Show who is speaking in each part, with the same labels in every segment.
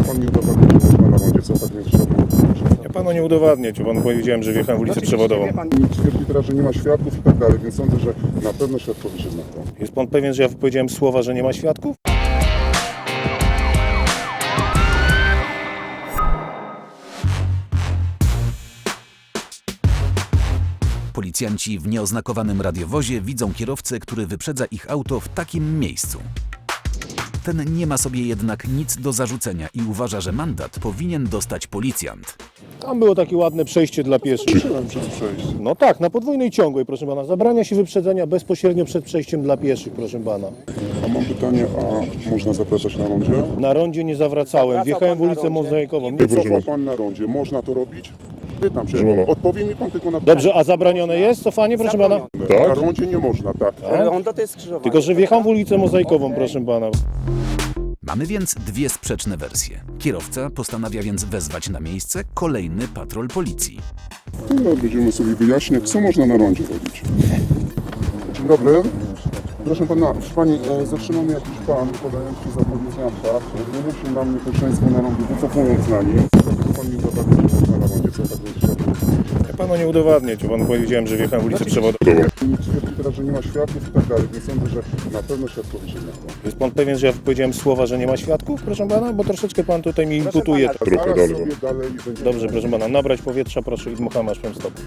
Speaker 1: pan mi udowadnia, że można na rondzie cofać między światłem?
Speaker 2: Ja panu nie udowadnię, bo panu powiedziałem, że wjechałem w ulicę przewodową.
Speaker 1: Twierdzi teraz, że nie ma świadków i tak dalej, więc sądzę, że na pewno świadkowie się znają.
Speaker 2: Jest pan pewien, że ja powiedziałem słowa, że nie ma świadków?
Speaker 3: Policjanci w nieoznakowanym radiowozie widzą kierowcę, który wyprzedza ich auto w takim miejscu. Ten nie ma sobie jednak nic do zarzucenia i uważa, że mandat powinien dostać policjant.
Speaker 2: Tam było takie ładne przejście dla pieszych.
Speaker 1: Przyszedłem przez przejście.
Speaker 2: No tak, na podwójnej ciągłej, proszę pana. Zabrania się wyprzedzenia bezpośrednio przed przejściem dla pieszych, proszę pana.
Speaker 1: A mam pytanie, a można zapraszać na rondzie?
Speaker 2: Na rondzie nie zawracałem, wjechałem w ulicę Mozaikową.
Speaker 1: Nie cofa pan na rondzie, można to robić? Pytam się, odpowie mi pan tylko na pytanie.
Speaker 2: Dobrze, a zabronione jest cofanie, proszę pana?
Speaker 1: Na rondzie nie można, tak.
Speaker 4: Ronda to jest skrzyżowanie.
Speaker 2: Tylko, że wjechałem w ulicę Mozaikową, proszę pana.
Speaker 3: Mamy więc dwie sprzeczne wersje. Kierowca postanawia więc wezwać na miejsce kolejny patrol policji.
Speaker 1: No, będziemy sobie wyjaśniać, co można na rondzie robić. Dzień dobry. Proszę pana, pani, zatrzymał mnie jakiś pan podający za policjanta. Nie musi nam niebezpieczeństwo na rondzie, wycofując na nim. Dlatego pan mi udowadnia, że można na rondzie cofać między światłem.
Speaker 2: Ja panu nie udowadnię, bo panu powiedziałem, że wjechałem w ulicę przewodową.
Speaker 1: Twierdzi teraz, że nie ma świadków i tak dalej, więc sądzę, że na pewno świadkowie się znają.
Speaker 2: Jest pan pewien, że ja powiedziałem słowa, że nie ma świadków, proszę pana? Bo troszeczkę pan tutaj mi imputuje.
Speaker 1: Zaraz sobie dalej będziemy...
Speaker 2: Dobrze, proszę pana, nabrać powietrza, proszę i dmucham aż powiem stop.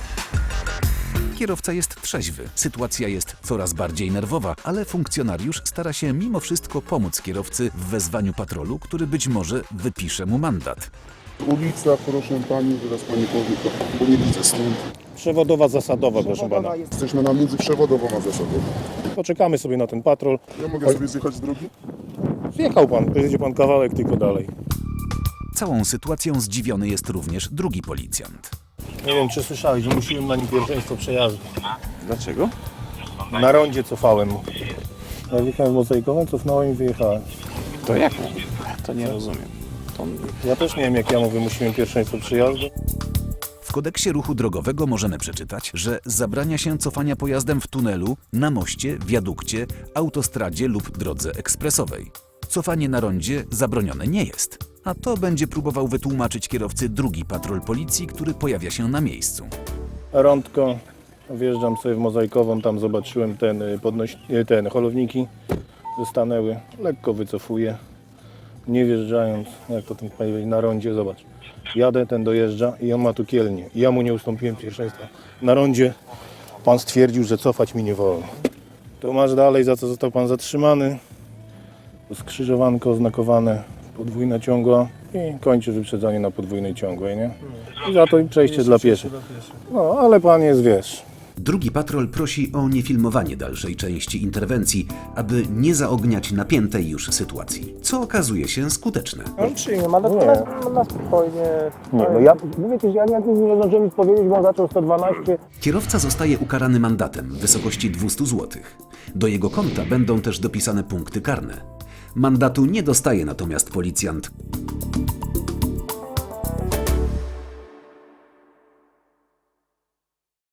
Speaker 3: Kierowca jest trzeźwy, sytuacja jest coraz bardziej nerwowa, ale funkcjonariusz stara się mimo wszystko pomóc kierowcy w wezwaniu patrolu, który być może wypisze mu mandat.
Speaker 1: Ulica, proszę pani, zaraz pani powie to, bo nie widzę stąd.
Speaker 2: Przewodowa zasadowa, proszę pana.
Speaker 1: Jesteśmy na między przewodową a zasadową.
Speaker 2: Poczekamy sobie na ten patrol.
Speaker 1: Ja mogę sobie zjechać z drogi?
Speaker 2: Zjechał pan, pojedzie pan kawałek tylko dalej.
Speaker 3: Całą sytuacją zdziwiony jest również drugi policjant.
Speaker 2: Nie wiem, czy słyszałeś, że musiałem na nim pierwszeństwo przejazdu.
Speaker 4: Dlaczego?
Speaker 2: Na rondzie cofałem. Ja wjechałem w Mozaikową, cofnąłem i wyjechałem.
Speaker 4: To jak? To nie rozumiem.
Speaker 2: Ja też nie wiem, jak ja mu wymusiłem pierwszeństwo przejazdu.
Speaker 3: W kodeksie ruchu drogowego możemy przeczytać, że zabrania się cofania pojazdem w tunelu, na moście, wiadukcie, autostradzie lub drodze ekspresowej. Cofanie na rondzie zabronione nie jest. A to będzie próbował wytłumaczyć kierowcy drugi patrol policji, który pojawia się na miejscu.
Speaker 2: Rądko, wjeżdżam sobie w Mozaikową, tam zobaczyłem ten holowniki stanęły, lekko wycofuję, nie wjeżdżając, jak to tam powiedzieć, na rondzie, zobacz. Jadę, ten dojeżdża i on ma tu kielnię. I ja mu nie ustąpiłem pierwszeństwa. Na rondzie pan stwierdził, że cofać mi nie wolno. To masz dalej, za co został pan zatrzymany. Skrzyżowanko oznakowane, podwójna ciągła i kończy wyprzedzanie na podwójnej ciągłej, nie? I za to i przejście dla pieszych. No, ale pan jest, wiesz.
Speaker 3: Drugi patrol prosi o niefilmowanie dalszej części interwencji, aby nie zaogniać napiętej już sytuacji, co okazuje się skuteczne.
Speaker 4: On przyjmie mandat na spokojnie.
Speaker 2: Nie, no ja mówię ci, że ja nie zdążyłem nic powiedzieć, bo on zaczął 112.
Speaker 3: Kierowca zostaje ukarany mandatem w wysokości 200 zł. Do jego konta będą też dopisane punkty karne. Mandatu nie dostaje natomiast policjant,